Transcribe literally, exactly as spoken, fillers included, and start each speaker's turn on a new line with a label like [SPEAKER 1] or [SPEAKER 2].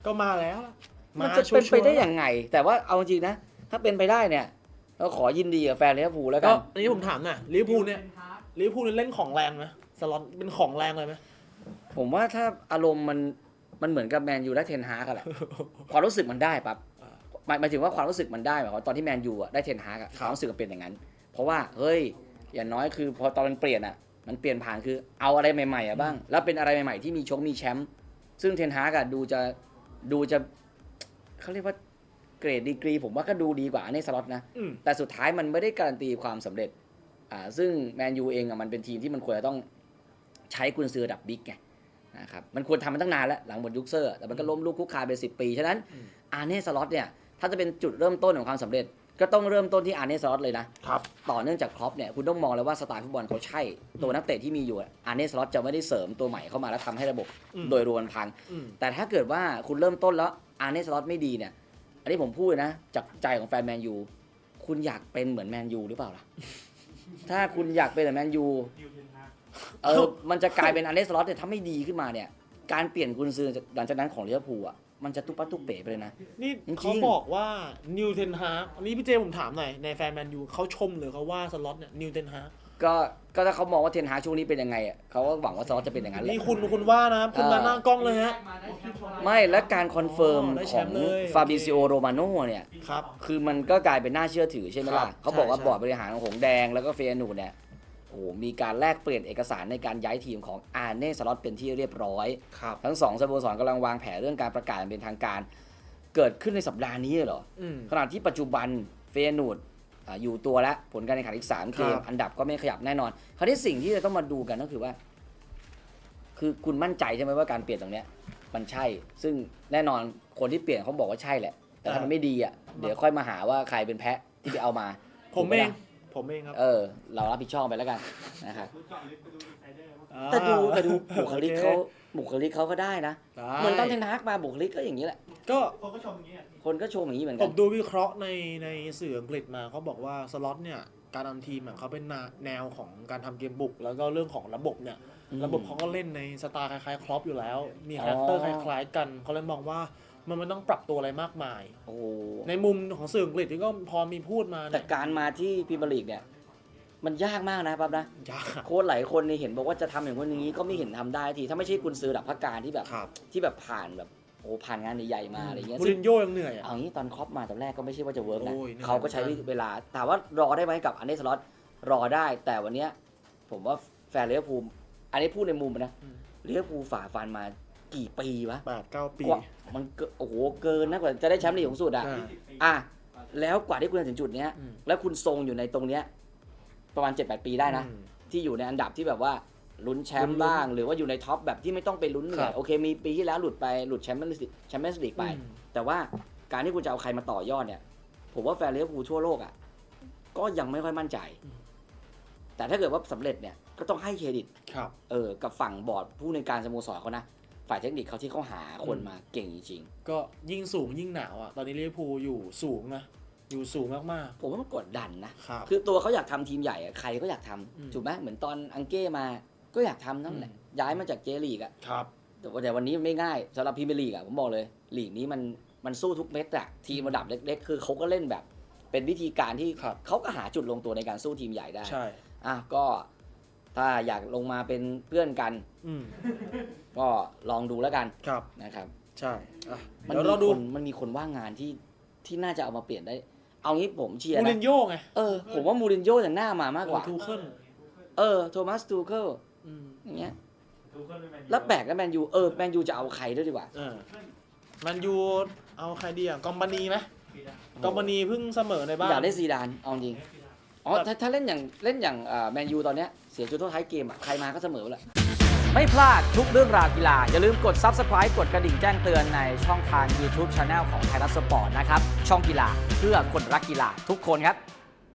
[SPEAKER 1] ก็มาแล้ว
[SPEAKER 2] มันจะเป็นไปได้ยังไงแต่ว่าเอาจริงนะถ้าเป็นไปได้เนี่ยเราขอยินดีกับแฟนลิเวอร์พูลแล้วกั
[SPEAKER 1] ก็
[SPEAKER 2] น
[SPEAKER 1] อันนี้ผมถามหน่อยลิเวอร์พูลเนี่ยลิเวอร์พูลเล่นของแรงไหมสล็อตเป็นของแรงเลยไหม
[SPEAKER 2] ผมว่าถ้าอารมณ์มันมันเหมือนกับแมนยูได้เทนฮากกันแหละ ความรู้สึกมันได้ปั๊บหมายหมายถึงว่าความรู้สึกมันได้หมายความว่าตอนที่แมนยูอะได้เทนฮากอะความรู้สึกมันเป็นอย่างนั้น เพราะว่าเฮ้ยอย่างน้อยคือพอตอนมันเปลี่ยนอะมันเปลี่ยนผ่านคือเอาอะไรใหม่ๆอะบ้างแล้วเป็นอะไรใหม่ๆที่มีชกมีแชมป์ซึ่งเทนฮากอะดูจะดูจะเขาเรียกว่าเกรดดีกรีผมว่าก็ดูดีกว่าในสล็อตนะ
[SPEAKER 1] อืม
[SPEAKER 2] แต่สุดท้ายมันไม่ได้การันตีความสำเร็จอ่าซึ่งแมนยูเองอะมันเป็นทีมที่มันควรจะต้องใช้กุนซือระดับบิ๊กไงนะครับมันควรทำมาตั้งนานแล้วหลังหมดยุคเซอร์แต่มันก็ล้มลุกคลุกคลานไปสิบปีฉะนั้น
[SPEAKER 1] อืม
[SPEAKER 2] อาร์เน่สล็อตเนี่ยถ้าจะเป็นจุดเริ่มต้นของความสำเร็จ ก็ต้องเริ่มต้นที่อาร์เน่สล็อตเลยนะครับ ต่อเนื่องจากครอปเนี่ยคุณต้องมองแล้วว่าสไตล์ฟุตบอลเขาใช่ตัวนักเตะที่มีอยู่อะอาร์เน่สล็อตจะไม่ได้เสริมตัวใหม่เข้ามาแล้วทำให้ระบบ
[SPEAKER 1] อืม
[SPEAKER 2] โดยรวมพัง
[SPEAKER 1] อืม
[SPEAKER 2] แต่ถ้าเกิดว่าคุณเริ่มต้นแล้วอาร์เน่สล็อตไม่ดีเนี่ยอันนี้ผมพูดเลยนะจากใจของแฟนแมนยูคุณอยากเป็นเหมือนแมนยูหรือเปล่าล่ะ ถ้าคุณอยากเป็นเหมือนแมนยูเออมันจะกลายเป็นอาร์เน่สล็อตเนี่ยถ้าไม่ดีขึ้นมาเนี่ยการเปลี่ยนกุนซือหลังจากนั้นของลิเวอร์พูลอ่ะมันจะตุ๊ปัดตุ๊เป๋ไปเลยนะ
[SPEAKER 1] นี่
[SPEAKER 2] จริงๆ
[SPEAKER 1] เขาบอกว่านิวเทนฮากอันนี้พี่เจผมถามหน่อยในแฟนแมนยูเขาชมหรือเขาว่าสล็อตเนี่ยนิวเทนฮาก
[SPEAKER 2] ก็ก็ถ้าเขามองว่าเทนฮากช่วงนี้เป็นยังไงอ่ะเขาก็หวังว่าสล็อตจะเป็นอย่างนั้นแหละ
[SPEAKER 1] นี่คุณคุณว่านะครับคุณมาหน้ากล้องเลยฮะ
[SPEAKER 2] ไม่และการคอนเฟิร์ม
[SPEAKER 1] อ๋อได้
[SPEAKER 2] ข
[SPEAKER 1] แช
[SPEAKER 2] อง
[SPEAKER 1] มป์เลย
[SPEAKER 2] ฟาบิซิโอโรมาโนเนี่ย
[SPEAKER 1] ครับ
[SPEAKER 2] คือมันก็กลายเป็นน่าเชื่อถือใช่ไหมล่ะ
[SPEAKER 1] ครับ
[SPEAKER 2] เขาบอกว่า
[SPEAKER 1] ใช่
[SPEAKER 2] บอร์ดบริหารของหงส์แดงแล้วก็เฟยนูร์เนี่ยโอ้โหมีการแลกเปลี่ยนเอกสารในการย้ายทีมของอาร์เน่สล็อตเป็นที่เรียบร้อย
[SPEAKER 1] ครับ
[SPEAKER 2] ทั้งสองสโมสรกำลังวางแผนเรื่องการประกาศอย่างเป็นทางการ เกิดขึ้นในสัปดาห์นี้เหรอ
[SPEAKER 1] อืม
[SPEAKER 2] ขณะที่ปัจจุบันเฟยนูร์อ่าอยู่ตัวแล้วผลการแข่งขันอีกสามเกม
[SPEAKER 1] ครับ
[SPEAKER 2] อันดับก็ไม่ขยับแน่นอน คราวนี้สิ่งที่จะต้องมาดูกันก็คือว่า คือคุณมั่นใจใช่ไหมว่าการเปลี่ยนตรงเนี้ยมันใช่ ซึ่งแน่นอนคนที่เปลี่ยนเขาบอกว่าใช่แหละ แต่ถ้ามันไม่ดีอ่ะเดี๋ยวค่อยมาหาว่าใครเป็นแพะที่ไปเอามา
[SPEAKER 1] ผม
[SPEAKER 2] ถูกไห
[SPEAKER 1] เอง
[SPEAKER 2] ล่ะ
[SPEAKER 1] ผมเองครับ
[SPEAKER 2] เออ เรารับผิดชอบไปแล้วกันนะครับ
[SPEAKER 1] อ่า
[SPEAKER 2] แต่ดูแต่ดูบุคลิก
[SPEAKER 1] โอ
[SPEAKER 2] เขาบุคลิกเขาก็ได้นะ
[SPEAKER 1] ได้
[SPEAKER 2] เหมือนตอนเทนฮากมาบุคลิกก็อย่างนี้แหละ
[SPEAKER 1] ก็
[SPEAKER 2] คนก็ชมอย่างนี้เหมือน
[SPEAKER 1] ผ
[SPEAKER 2] กัน
[SPEAKER 1] มดูวิเคราะห์ในในสื่ออังกฤษมาเขาบอกว่าสล็อตเนี่ยการทำทีมอะเขาเป็นแนวของการทำเกมบุก แล้วก็เรื่องของระบบเนี่ย
[SPEAKER 2] อืม
[SPEAKER 1] ระบบเขาก็เล่นในสไตล์คล้ายๆครอปอยู่แล้ว มีคาแรคเตอร์
[SPEAKER 2] อ๋
[SPEAKER 1] ค
[SPEAKER 2] อ
[SPEAKER 1] ล้ายๆกันเขาเลยมองว่ามันไม่ต้องปรับตัวอะไรมากมาย
[SPEAKER 2] โอ้
[SPEAKER 1] ในมุมของสื่ออังกฤษที่ก็พอมีพูดมา
[SPEAKER 2] แต่
[SPEAKER 1] เนี่ย
[SPEAKER 2] การมาที่พรีเมียร์ลีกเนี่ยมันยากมากนะปั๊บนะ
[SPEAKER 1] ยาก
[SPEAKER 2] โค้ชหลายคนนี่เห็นบอกว่าจะทำอย่างคนอย่างนี้ก็ไม่เห็นทำได้ทีถ้าไม่ใช่กุนซือระดับพักการที่แบบ
[SPEAKER 1] ครับ
[SPEAKER 2] ที่แบบผ่านแบบโอ้ผ่านงานใหญ่ๆมาอะไรเงี้ย
[SPEAKER 1] มู
[SPEAKER 2] ซึ่
[SPEAKER 1] ริ
[SPEAKER 2] ง
[SPEAKER 1] นโญ่ยังเหนื่อยอ่ะ
[SPEAKER 2] เอางี้ตอนครอปมาตอนแรกก็ไม่ใช่ว่าจะเวิร์กนะ
[SPEAKER 1] โอ้ยเหนื่อย
[SPEAKER 2] เขาก็ใช้เวลาถามว่ารอได้ไหมกับอันนี้สล็อตรอได้แต่วันเนี้ยผมว่าแฟนลิเวอร์พูลอันนี้พูดในมุมนะ
[SPEAKER 1] อืม
[SPEAKER 2] ลิเวอร์พูลฝ่าฟันมากี่ปีวะ
[SPEAKER 1] แปดเก้าปี
[SPEAKER 2] กว่ามันเกินโอ้โหเกินนะกว่าจะได้แชมป์ลีกสูงสุดอ่ะ
[SPEAKER 1] อ่า
[SPEAKER 2] อ่ะแล้วกว่าที่คุณจะถึงจุดเนี้ย
[SPEAKER 1] อืม
[SPEAKER 2] แล้วคุณทรงอยู่ในตรงเนี้ยประมาณ เจ็ดแปด ปีได้นะ
[SPEAKER 1] อืม
[SPEAKER 2] ที่อยู่ในอันดับที่แบบว่าลุ้นแชม
[SPEAKER 1] ลุ้
[SPEAKER 2] ป์
[SPEAKER 1] นๆ
[SPEAKER 2] บ้าง หรือว่าอยู่ในท็อปแบบที่ไม่ต้องไปลุ้นเหนื่
[SPEAKER 1] ครั
[SPEAKER 2] อย
[SPEAKER 1] บ
[SPEAKER 2] โอเคมีปีที่แล้วหลุดไปหลุดแชมเปี้ยนส์แชมเปี้ยนส์ลีกไป
[SPEAKER 1] อืม
[SPEAKER 2] แต่ว่าการที่คุณจะเอาใครมาต่อยอดเนี่ย ผมว่าแฟนลิเวอร์พูลทั่วโลกอ่ะก็ยังไม่ค่อยมั่นใจ แต่ถ้าเกิดว่าสำเร็จเนี่ยก็ต้องให้เครดิต
[SPEAKER 1] ครับ
[SPEAKER 2] เออกับฝั่งบอร์ดผู้ในวยการสโมสรเขานะฝ่ายเทคนิคเขาที่เขาหาคนมาเก่งจริง
[SPEAKER 1] ก็ยิ่งสูงยิ่งหนาวอ่ะ ตอนนี้ลิเวอร์พูลอยู่สูงนะ อยู่สูงมาก
[SPEAKER 2] ๆผมว่ามันกดดันนะ
[SPEAKER 1] ๆ ครับ
[SPEAKER 2] คือตัวเขาอยากทำทีมใหญ่อะใครก็อยากทำ
[SPEAKER 1] อืม
[SPEAKER 2] ถูกไหมเหมือนตอนอังเก้มาก็อยากทำนั่นแหละ
[SPEAKER 1] อืม
[SPEAKER 2] ย้ายมาจากเจลีกอะ
[SPEAKER 1] ครับ
[SPEAKER 2] แต่ว่าแต่วันนี้มันไม่ง่ายสำหรับพรีเมียร์ลีกอะผมบอกเลยลีกนี้มันมันสู้ทุกเม็ดอะทีมระดับเล็กๆ คือเขาก็เล่นแบบ เป็นวิธีการที่
[SPEAKER 1] ครับ
[SPEAKER 2] เขาก็หาจุดลงตัวในการสู้ทีมใหญ่ได้
[SPEAKER 1] ใช่
[SPEAKER 2] อ่ะก็ถ้าอยากลงมาเป็นเพื่อนกัน
[SPEAKER 1] อืม
[SPEAKER 2] ก็ลองดูแล้วกัน
[SPEAKER 1] ครับ
[SPEAKER 2] นะครับ
[SPEAKER 1] ใช่อ่ะ
[SPEAKER 2] มัน
[SPEAKER 1] เดี๋ยว
[SPEAKER 2] มี
[SPEAKER 1] เราดู
[SPEAKER 2] คนมันมีคนว่างงานที่ที่น่าจะเอามาเปลี่ยนได้ เอางี้ผมเชียร์
[SPEAKER 1] มูริ
[SPEAKER 2] นะ
[SPEAKER 1] นโญ่ไง
[SPEAKER 2] เออผมว่ามูรินโญ่จะหน้ามามากกว่า
[SPEAKER 1] เออทูเคิล
[SPEAKER 2] เออโทมัสตูเคิล
[SPEAKER 1] อืม
[SPEAKER 2] อย่างเงี้ยแล้วแปลกแล้วแมนยูเออแมนยูจะเอาใครด้วยดีกว่า
[SPEAKER 1] เออแมันยูเอาใครดีอ่ะกอมบานีไหมกอมบานีเพิ่งเสมอในบ้าน
[SPEAKER 2] อยากได้ซีดานเอาจริงอ๋อถ้าถ้าเล่นอย่างเล่นอย่างแมนยูตอนเนี้ยเสียจุดโทษท้ายเกมอ่ะใครมาก็เสมอแหละไม่พลาดทุกเรื่องราวกีฬาอย่าลืมกด ซับสไครบ์ กดกระดิ่งแจ้งเตือนในช่องทาง ยูทูบ Channel ของไทยรัฐสปอร์ตนะครับช่องกีฬาเพื่อคนรักกีฬาทุกคนครับ